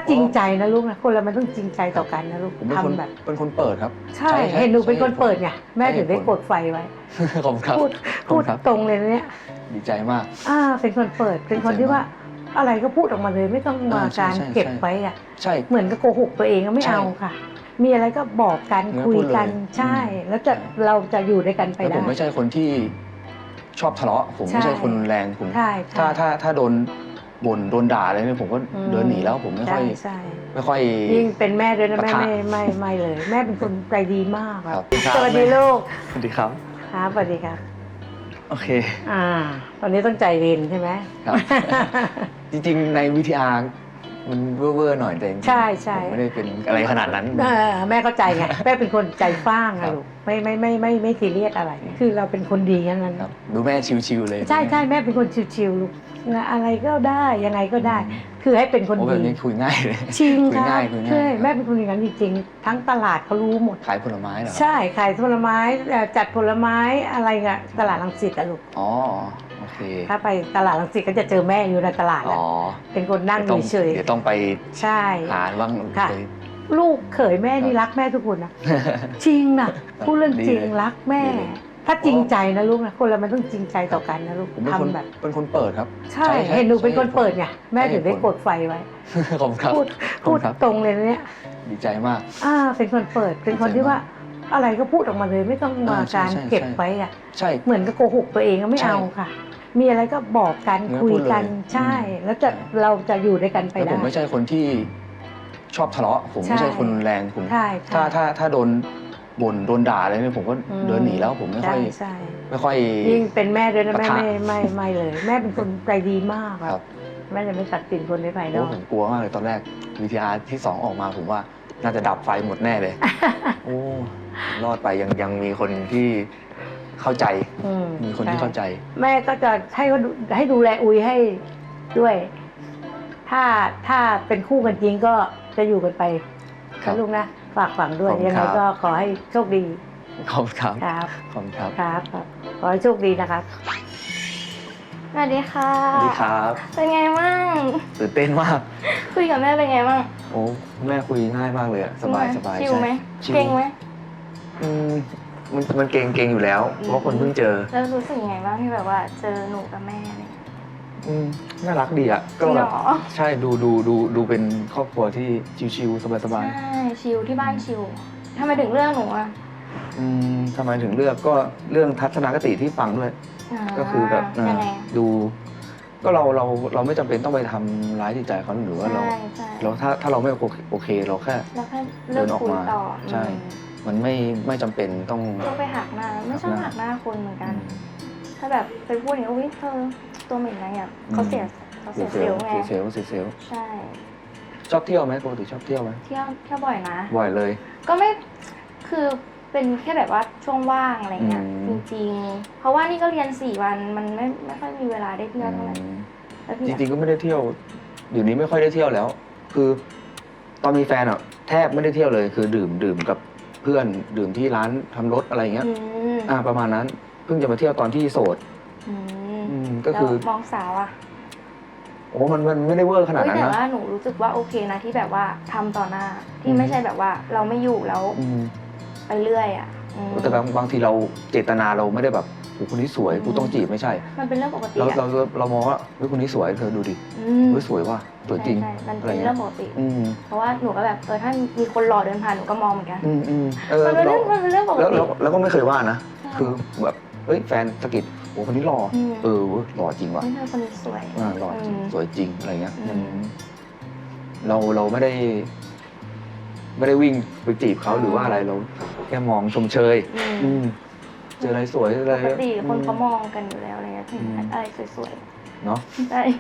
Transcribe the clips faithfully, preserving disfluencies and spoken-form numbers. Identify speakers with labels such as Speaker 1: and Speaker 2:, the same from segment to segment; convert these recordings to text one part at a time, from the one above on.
Speaker 1: จริงใจนะลูกนะคนเรามันต้องจริงใจต่อกันนะลูก
Speaker 2: ผมเป็นคน
Speaker 1: ทำแบบ
Speaker 2: เป็นคนเปิดครับ
Speaker 1: ใช่เห็นหนูเป็นคนเปิดไงแม่ถึงได้กดไฟไว้
Speaker 2: ขอบคุณครับ
Speaker 1: พูดพูดตรงเลยนะเนี่ย
Speaker 2: ดีใจมาก
Speaker 1: อ่าเป็นคนเปิดเป็นคนที่ว่าอะไรก็พูดออกมาเลยไม่ต้องมาการเก็บไว้อะ
Speaker 2: ใช่
Speaker 1: เหมือนกับโกหกตัวเองก็ไม่เอาค่ะ มีอะไรก็บอกกันคุยกันใช่ แล้วจะเราจะอยู่ด้วยกันไป
Speaker 2: แล้ว
Speaker 1: ได้
Speaker 2: ผมไม่ใช่คนที่ชอบทะเลาะผมไม่ใช่คนแรงผม
Speaker 1: ใช่
Speaker 2: ถ้าถ้าถ้าโดนบ่นโดนด่าอะไรเนี่ยผมก็เดินหนีแล้วผมไม่ค่อยไม่ค่อย
Speaker 1: ยิ่งเป็นแม่ด้วยนะแม่ไม่ไม่ไม่เลย แม่เป็นคนใจดีมากครับ
Speaker 2: ครับ
Speaker 1: สวัสดีลูก
Speaker 2: สวัสดีครับ
Speaker 1: ครับสวัสดีครับ
Speaker 2: โอเค
Speaker 1: อ่า ตอนนี้ต้องใจเย็นใช่ไหม
Speaker 2: ครับ จริงๆในวิทยามันเว่อร์ๆหน่อยแต่จริงๆ
Speaker 1: ใช่ใช่
Speaker 2: ผมไม่ได้เป็นอะไรขนาดนั้น
Speaker 1: เออแม่เข้าใจไงแม่เป็นคนใจฟ้างอะลูกไม่ไม่ไม่ไม่ไม่ซีเรียสอะไร คือเราเป็นคนดีงั้นนั้น
Speaker 2: ครับดูแม่ชิวๆเลย
Speaker 1: ใช่ใช่แม่เป็นคนชิวๆลูกอะไรก็ได้ยังไงก็ได้ คือให้เป็นคน
Speaker 2: โอ้แบ
Speaker 1: ดี
Speaker 2: บนี้คุยง่ายเลย
Speaker 1: จริง
Speaker 2: คุย
Speaker 1: ค่ะ
Speaker 2: ง่ายคุยง่าย
Speaker 1: ใช่แม่เป็นคนอย่างนั้นจริงๆทั้งตลาดเขารู้หมด
Speaker 2: ขายผลไม้เหรอ
Speaker 1: ใช่ขายผลไม้เอ่อจัดผลไม้อะไรอะตลาดรังสิตอะลูก
Speaker 2: อ๋อโอเค
Speaker 1: ถ้าไปตลาดรังสิตก็จะเจอแม่อยู่ในตลาด
Speaker 2: อ๋
Speaker 1: อะ
Speaker 2: อ
Speaker 1: เป็นคนนั่ง
Speaker 2: ดี๋วต้อง
Speaker 1: เฉย
Speaker 2: เดี๋ยวต้องไป
Speaker 1: ๆใช่
Speaker 2: หาบ้าง
Speaker 1: ค่ะ
Speaker 2: ไป
Speaker 1: ลูกเขยแม่นี่รักแม่ทุกคนนะจริงนะพูดเรื่องจริง
Speaker 2: ดีเลย
Speaker 1: รักแม่
Speaker 2: ดีเลย
Speaker 1: ถ้าจริงใจนะลูกนะคนเรามันต้องจริงใจต่อกันนะลูก
Speaker 2: ผมเป็นคน
Speaker 1: ทำแบบ
Speaker 2: เป็นคนเปิดครับ
Speaker 1: ใช่เห็นหนูเป็นคนเปิดไงแม่ถึงได้กดไฟไว้
Speaker 2: ขอบคุณครับ
Speaker 1: พูด
Speaker 2: ขอบ
Speaker 1: พู
Speaker 2: คุ
Speaker 1: ด
Speaker 2: ณครับ
Speaker 1: ตรงเลยนะเนี่ย
Speaker 2: ดีใจมาก
Speaker 1: อ่าเป็นคนเปิดเป็นคนที่ว่าอะไรก็พูดออกมาเลยไม่ต้องมา
Speaker 2: เออใช่
Speaker 1: การ
Speaker 2: ใช่
Speaker 1: เก็บ
Speaker 2: ใช่
Speaker 1: ไว้อะ
Speaker 2: ใช่
Speaker 1: เหมือนกับโกหกตัวเองก็ไม่
Speaker 2: ใช่
Speaker 1: เอาค่ะ มีอะไรก็บอกกัน
Speaker 2: เนื้อ
Speaker 1: คุย
Speaker 2: พูดเลย
Speaker 1: กันใช่
Speaker 2: อืม
Speaker 1: แล้วจะเราจะอยู่ด้วยกันไป
Speaker 2: แล้ว
Speaker 1: ได้
Speaker 2: ผมไม่ใช่คนที่ชอบทะเลาะผมไม่
Speaker 1: ใช่
Speaker 2: ใช่คนแรงผม
Speaker 1: ใช่ใช่
Speaker 2: ถ้าถ้าถ้าโดนบ่นโดนด่าอะไรเนี่ยผมก็
Speaker 1: อืม
Speaker 2: เดินหนีแล้วผมไม่ค่อย
Speaker 1: ใช่ใช่
Speaker 2: ไม่ค่อย
Speaker 1: ยิ่งเป็นแม่ด้วยนะแม่
Speaker 2: ปะทะ
Speaker 1: ไม่ไม่ไม่เลย แม่เป็นคนใจดีมาก
Speaker 2: ค
Speaker 1: ค
Speaker 2: รั
Speaker 1: รั
Speaker 2: บบ
Speaker 1: แม่จะไม่ตัดสินคนในภายน
Speaker 2: โอ้
Speaker 1: อก
Speaker 2: ผมกลัวมากเลยตอนแรกวิทยาที่สองออกมาผมว่าน่าจะดับไฟหมดแน่เลย โอ้รอดไปยังยังมีคนที่เข้าใจ
Speaker 1: อื
Speaker 2: มีคนที่เข้าใจ
Speaker 1: แม่ก็จะให้เขาดูให้ดูแลอุยให้ด้วย ถ้าถ้าเป็นคู่กันจริงก็จะอยู่กันไป
Speaker 2: ครับ
Speaker 1: นะลูกนะฝากฝังด้วย
Speaker 2: ขอบคุณ
Speaker 1: ยังไง
Speaker 2: ครับ
Speaker 1: ก็ขอให้โชคดี
Speaker 2: ขอบคุณครับ
Speaker 1: ครับ
Speaker 2: ขอบคุณครับ
Speaker 1: ครับครับขอให้โชคดีนะครับ
Speaker 3: สวัสดีค่ะ
Speaker 2: สวัสดีครับ
Speaker 3: เป็นไงบ้าง
Speaker 2: ตื่นเต้นมาก
Speaker 3: คุยกับแม่เป็นไงบ้าง
Speaker 2: โอ้แม่คุยง่ายมากเลยอะสบายสบาย
Speaker 3: ชิลไหม
Speaker 2: ใช่
Speaker 3: เก่งไหม
Speaker 2: อืมมันมันเก่งเก่งอยู่แล้ว เพราะว่าคนเพิ่งเจอ
Speaker 3: แล้วรู้สึกยังไงบ้างที่แบบว่าเจอหนูกับแม่อะไรอย่างเงี้ย
Speaker 2: อืมน่ารักดีอ่ะ
Speaker 3: จริง
Speaker 2: แบ
Speaker 3: เหร
Speaker 2: บ
Speaker 3: อ
Speaker 2: ใช่ดูดูดูดูเป็นครอบครัวที่ชิวๆสบาย
Speaker 3: ใช่ชิลที่บ้านชิลทำไมถึงเลือกหนูอ่ะ
Speaker 2: ๆอืมทำไมถึงเลือกก็เรื่องทัศนคติที่ฟังด้วย
Speaker 3: า
Speaker 2: ก็คือแบบ
Speaker 3: ยังไง
Speaker 2: ดู ก็เราเราเราไม่จำเป็นต้องไปทำร้ายจิตใจเขาหรือว่าเรา
Speaker 3: ใช่ใช่
Speaker 2: เราถ้าถ้าเราไม่โอเคโอเคเราแค่
Speaker 3: แล้วแค่เลื
Speaker 2: เดิ
Speaker 3: อก
Speaker 2: นออก
Speaker 3: คุย
Speaker 2: มา
Speaker 3: ต่อ
Speaker 2: ใช่ มันไม่ไม่จำเป็นต้อง
Speaker 3: ต้องไปหักหน้าไม่ชอบ
Speaker 2: หั
Speaker 3: หั
Speaker 2: ก
Speaker 3: ก
Speaker 2: ห
Speaker 3: ห
Speaker 2: น้า
Speaker 3: น้าคนเหมือนกัน ถ้าแบบไปพูดอย่างนี้อุ้ยเธอตัวเหม็นอะไรอ่ะเขาเสียเขาเสียเซลล์ไง
Speaker 2: เสียเซลล์เสียเซลล์
Speaker 3: ใช่
Speaker 2: ชอบเที่ยวไหมปกติชอบเที่ยวไหม
Speaker 3: เที่ยวเที่ยวบ่อยนะ
Speaker 2: บ่อยเลย
Speaker 3: ก็ไม่ คือเป็นแค่แบบว่าช่วงว่างอะไรเงี้ย
Speaker 2: อื
Speaker 3: จ
Speaker 2: ม
Speaker 3: ริงๆ เพราะว่านี่ก็เรียนสี่วัน มันไม่ไม่ค่อยมีเวลาได้เที่ยวเท่าไหร่
Speaker 2: อืม
Speaker 3: แล้วพี่
Speaker 2: จ
Speaker 3: อะ
Speaker 2: ริงๆก็ไม่ได้เที่ยวเดี๋ยวนี้ไม่ค่อยได้เที่ยวแล้ว คือตอนมีแฟนอ่ะแทบไม่ได้เที่ยวเลย คือดื่มดื่มกับเพื่อนดื่มที่ร้านทำรถอะไรอย่างเงี้ย
Speaker 3: อืม
Speaker 2: อ่าประมาณนั้น เพิ่งจะมาเที่ยวตอนที่โสด
Speaker 3: อืม
Speaker 2: อืมก็คือ
Speaker 3: แล้วมองสาวอะ
Speaker 2: โอ้มันมันไม่ได้เวอร์ขนาด
Speaker 3: เฮ้ย
Speaker 2: นั้น
Speaker 3: แต่
Speaker 2: นะ
Speaker 3: ว่าหนูรู้สึกว่าโอเคนะที่แบบว่าทำต่อหน้า
Speaker 2: อื
Speaker 3: ที่
Speaker 2: ม
Speaker 3: ไม่ใช่แบบว่าเราไม่อยู่แล้ว
Speaker 2: อืม
Speaker 3: ไปเรื่อยอะอืม
Speaker 2: แต่บางบางทีเราเจตนาเราไม่ได้แบบโอ้คนนี้สวย
Speaker 3: อืม
Speaker 2: กูต้องจีบไม่ใช่
Speaker 3: มันเป็นเรื่องปกติ
Speaker 2: เรา
Speaker 3: อะ
Speaker 2: เราเรามองว่าเฮ้ยคนนี้สวยเธอดูดิ
Speaker 3: อืม
Speaker 2: เฮ้ยสวยว่ะสวยจริง
Speaker 3: ใช่ใช่มัน
Speaker 2: อะไร
Speaker 3: เป็น
Speaker 2: เงี้ย
Speaker 3: เรื่องปกติ
Speaker 2: อืม
Speaker 3: เพราะว่าหนูก็แบบเออถ้ามีคนหล่อเดินผ่านหนูก็มองเหมือนกัน
Speaker 2: อืมอืมเออ
Speaker 3: มันเป็น
Speaker 2: เรา
Speaker 3: เรื่องมันเป็นเรื่องปก
Speaker 2: แล้ว
Speaker 3: ติ
Speaker 2: แล้วแล้วก็ไม่เคยว่านะ
Speaker 3: ใช่
Speaker 2: คือแบบเฮ้ยแฟนสะกิดโอ้คนนี้หล่ออ
Speaker 3: ม
Speaker 2: เออเว้ยหล่อจริงว่ะ
Speaker 3: เฮ้ยเธอคนนี้สวย
Speaker 2: อ่าหล่อจริง
Speaker 3: ม
Speaker 2: สวยจริงอะไรเงี้ย
Speaker 3: อืม
Speaker 2: มันเราเราไม่ได้ ไม่ได้วิ่งไปจีบเขาหรือว่าอะไรเราแค่มองชมเชย
Speaker 3: อืม
Speaker 2: อืมเจออะไรสวยอะไร
Speaker 3: ปกติคนเขา
Speaker 2: อื
Speaker 3: มองกันอยู่แล้วอะไรเงี้ยถึง
Speaker 2: อืม
Speaker 3: อะไรสวย
Speaker 2: เนาะ
Speaker 3: ๆใช่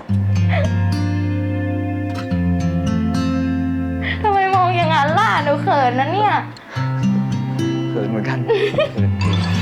Speaker 3: ทำไมมองอย่างนั้นล่ะหนูเขินนะเนี่ย
Speaker 2: เขินเหมือนกันเขิน